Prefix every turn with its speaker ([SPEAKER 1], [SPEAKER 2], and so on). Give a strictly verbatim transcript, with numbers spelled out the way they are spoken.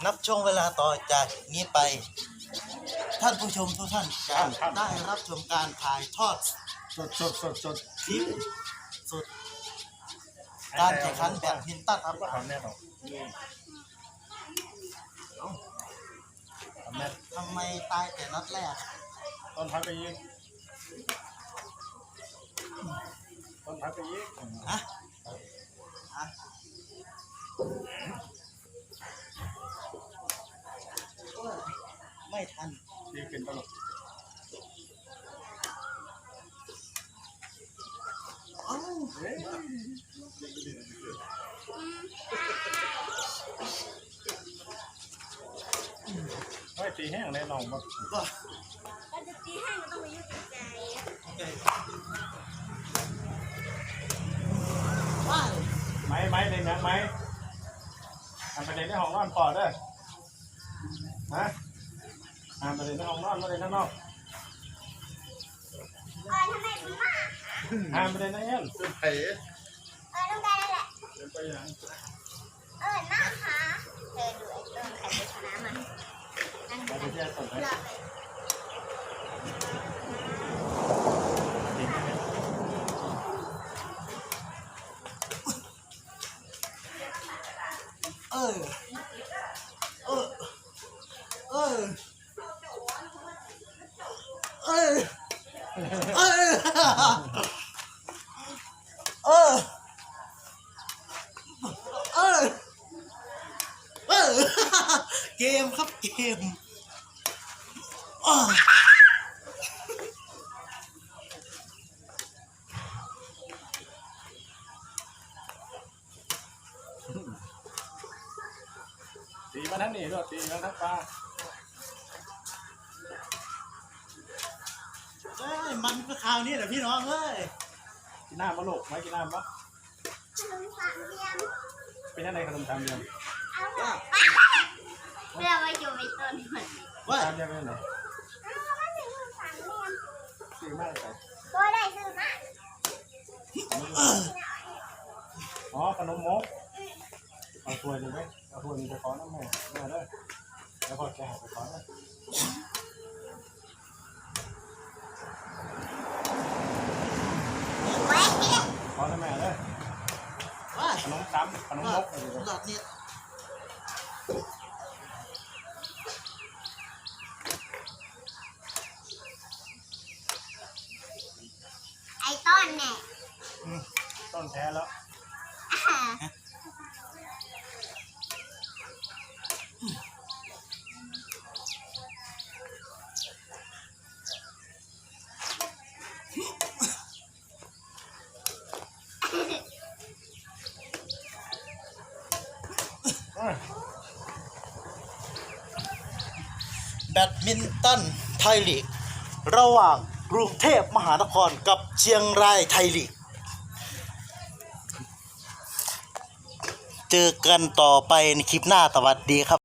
[SPEAKER 1] นับช่วงเวลาต่อจากนี้ไปท่านผู้ชมทุกท่านจะได้รับชมการถ่ายทอด
[SPEAKER 2] สดสดสดสด
[SPEAKER 1] คลิปสดการแข่งขันแบดมินตันครับ
[SPEAKER 2] ทำแน่นอนทำแน่
[SPEAKER 1] ทำไมตายแต่นัดแรก
[SPEAKER 2] ต้นพักไปยิงต้นพักไปยิง
[SPEAKER 1] ฮะฮะไม่ทัน
[SPEAKER 2] ยิงเป็นตลก
[SPEAKER 1] เอ้า
[SPEAKER 2] ไม่ตีแห้งแน่นอนมั้ง
[SPEAKER 1] ก็
[SPEAKER 3] จะตีแห้งก็ต้องมายุ่งกับใจ
[SPEAKER 1] โอเคว้าย
[SPEAKER 2] ไม้ไม้ในนังไม้ทำประเด็นในห้องนอนก่อนด้วยฮะทำประเด็นในห้องนอนประเด็นข้างนอก
[SPEAKER 3] เออทำไมคุณมา
[SPEAKER 2] ทำประเด็นในเงี้ยเป็นไผ่
[SPEAKER 3] เออต้องได้แหละ
[SPEAKER 2] เป็นไปยัง
[SPEAKER 3] เออหน้าค่ะเธอดูไอ้ต้นใครไปชนะมันนั่งดู
[SPEAKER 2] ไปเที่ยวต่อไป
[SPEAKER 3] หลอดเลย
[SPEAKER 1] เออเออเออเออเออเออเออเออเกมครับเกม
[SPEAKER 2] ตีมาทั้งนี้ด้วยตีมาทั้งปลา
[SPEAKER 1] เอ้ยมันก็คราวนี้แหละพี่น้องเอ้ย
[SPEAKER 2] กินน้ำมะลูกไม่กินน้ำปะ
[SPEAKER 3] ขนมสามเหลี่ยม
[SPEAKER 2] เป็นอะไรขนมตามเดียว
[SPEAKER 3] เอาเถอะเพื่อไว้อยู่ในต้นมัน
[SPEAKER 1] ว่า
[SPEAKER 2] ตามเดียวเป็นไหน
[SPEAKER 3] เอามาถึงขนมสามเหลี่ยม
[SPEAKER 2] ซื้อมากใส่
[SPEAKER 3] ตัวได้ซื้อมา
[SPEAKER 2] อ๋อขนมมกเอาถ้วยเลยไหมเอาถ้วยมีไปขอน้ำแม่แม่เลยแล้วพอแกหาไปขอเลยขอน้ำแม่เลย
[SPEAKER 1] ว่า
[SPEAKER 2] ขนมซ้ำขนมมกอะไรเลย
[SPEAKER 1] หลอดเนี่ย
[SPEAKER 3] ไอ้ต้นเนี่ย
[SPEAKER 2] ต้นแท้แล้ว
[SPEAKER 1] แบดมินตันไทยลีกระหว่างกรุงเทพมหานครกับเชียงรายไทยลีกเจอกันต่อไปในคลิปหน้าสวัสดีครับ